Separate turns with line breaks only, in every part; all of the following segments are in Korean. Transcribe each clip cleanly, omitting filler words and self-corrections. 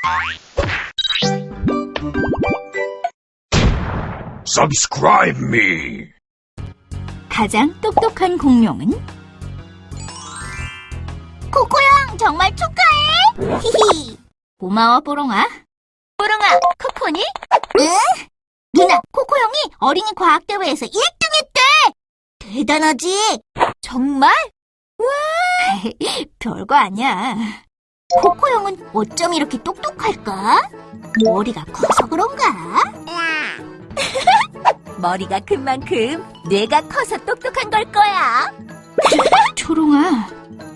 Subscribe me.
가장 똑똑한 공룡은? 코코형 정말 축하해! 히히. 고마워 뽀롱아. 뽀롱아, 코코니? 응? 누나, 코코형이 어린이 과학대회에서 1등했대! 대단하지? 정말? 와, 별거 아니야. 코코형은 어쩜 이렇게 똑똑할까? 머리가 커서 그런가? 머리가 큰 만큼 뇌가 커서 똑똑한 걸 거야. 초롱아.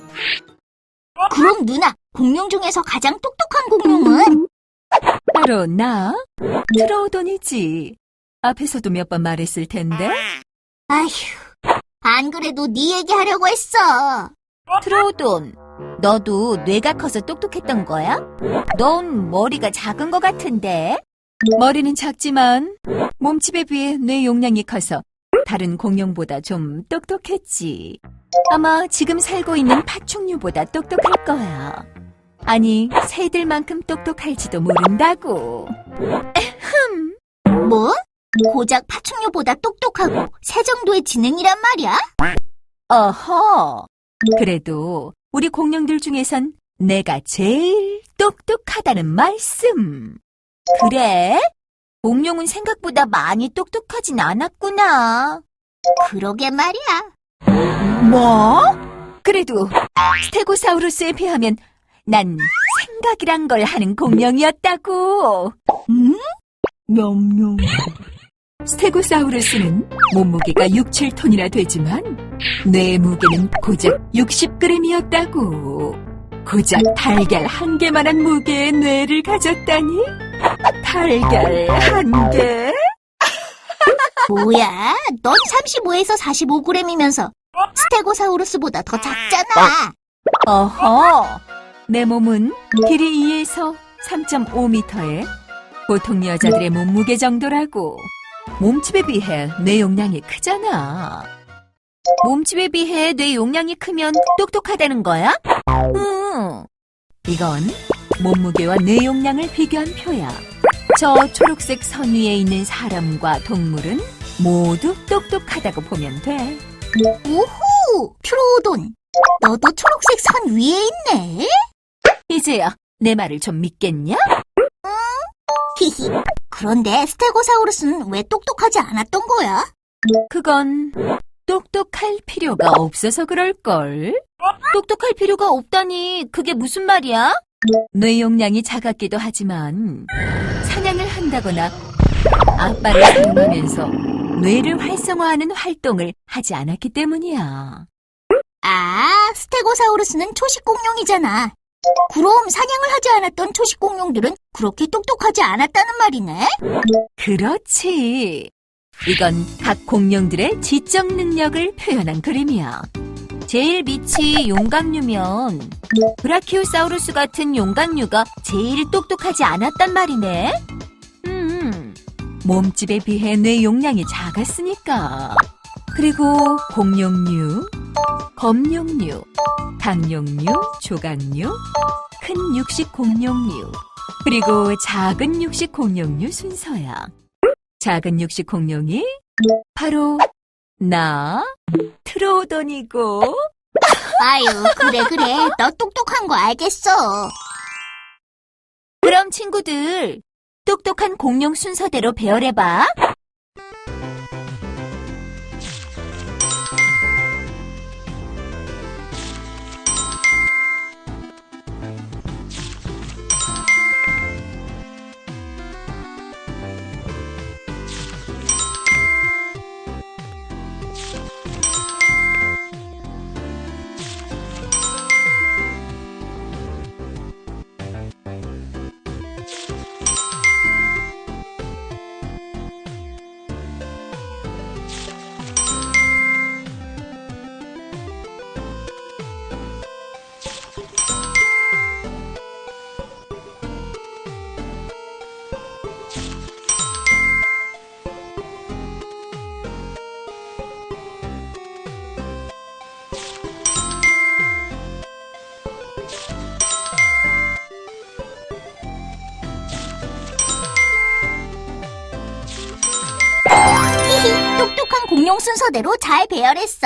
그럼 누나, 공룡 중에서 가장 똑똑한 공룡은?
바로 나? 트로우돈이지. 앞에서도 몇 번 말했을 텐데.
아휴, 안 그래도 네 얘기하려고 했어. 트로우돈, 너도 뇌가 커서 똑똑했던 거야? 넌 머리가 작은 것 같은데?
머리는 작지만 몸집에 비해 뇌 용량이 커서 다른 공룡보다 좀 똑똑했지. 아마 지금 살고 있는 파충류보다 똑똑할 거야. 아니, 새들만큼 똑똑할지도 모른다고.
뭐? 고작 파충류보다 똑똑하고 새 정도의 지능이란 말이야?
어허. 그래도 우리 공룡들 중에선 내가 제일 똑똑하다는 말씀.
그래? 공룡은 생각보다 많이 똑똑하진 않았구나. 그러게 말이야.
뭐? 그래도 스테고사우루스에 비하면 난 생각이란 걸 하는 공룡이었다고.
응? 냠냠.
스테고사우루스는 몸무게가 6, 7톤이나 되지만 뇌 무게는 고작 60g이었다고. 고작 달걀 한 개만한 무게의 뇌를 가졌다니? 달걀 한 개?
뭐야? 넌 35에서 45g이면서 스테고사우루스보다 더 작잖아.
어허! 내 몸은 길이 2에서 3.5m에 보통 여자들의 몸무게 정도라고. 몸집에 비해 뇌 용량이 크잖아.
몸집에 비해 뇌 용량이 크면 똑똑하다는 거야?
응. 이건 몸무게와 뇌 용량을 비교한 표야. 저 초록색 선 위에 있는 사람과 동물은 모두 똑똑하다고 보면 돼.
오호! 트로돈, 너도 초록색 선 위에 있네?
이제야 내 말을 좀 믿겠냐?
히히. 그런데 스테고사우루스는 왜 똑똑하지 않았던 거야?
그건 똑똑할 필요가 없어서 그럴걸.
똑똑할 필요가 없다니 그게 무슨 말이야?
뇌 용량이 작았기도 하지만 사냥을 한다거나 앞발을 사용하면서 뇌를 활성화하는 활동을 하지 않았기 때문이야.
아, 스테고사우루스는 초식공룡이잖아. 그럼 사냥을 하지 않았던 초식공룡들은 그렇게 똑똑하지 않았다는 말이네?
그렇지. 이건 각 공룡들의 지적 능력을 표현한 그림이야.
제일 밑이 용각류면 브라키오사우루스 같은 용각류가 제일 똑똑하지 않았단 말이네?
몸집에 비해 뇌 용량이 작았으니까. 그리고 공룡류, 검룡류, 강룡류, 조각류, 큰 육식 공룡류, 그리고 작은 육식 공룡류 순서야. 작은 육식 공룡이 바로 나, 트로돈이고.
아유, 그래. 너 똑똑한 거 알겠어. 그럼 친구들, 똑똑한 공룡 순서대로 배열해봐. 똑똑한 공룡 순서대로 잘 배열했어.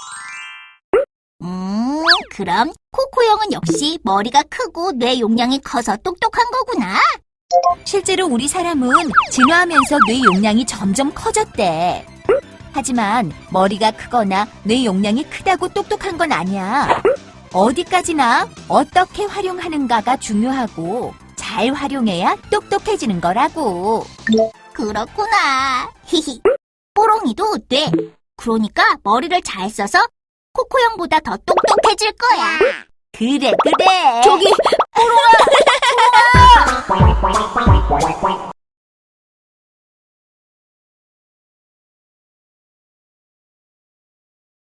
그럼 코코 형은 역시 머리가 크고 뇌 용량이 커서 똑똑한 거구나.
실제로 우리 사람은 진화하면서 뇌 용량이 점점 커졌대. 하지만 머리가 크거나 뇌 용량이 크다고 똑똑한 건 아니야. 어디까지나 어떻게 활용하는가가 중요하고 잘 활용해야 똑똑해지는 거라고.
그렇구나. 히히. 뽀롱이도 뇌. 그러니까 머리를 잘 써서 코코 형보다 더 똑똑해질 거야.
그래, 그래.
저기, 뽀롱아!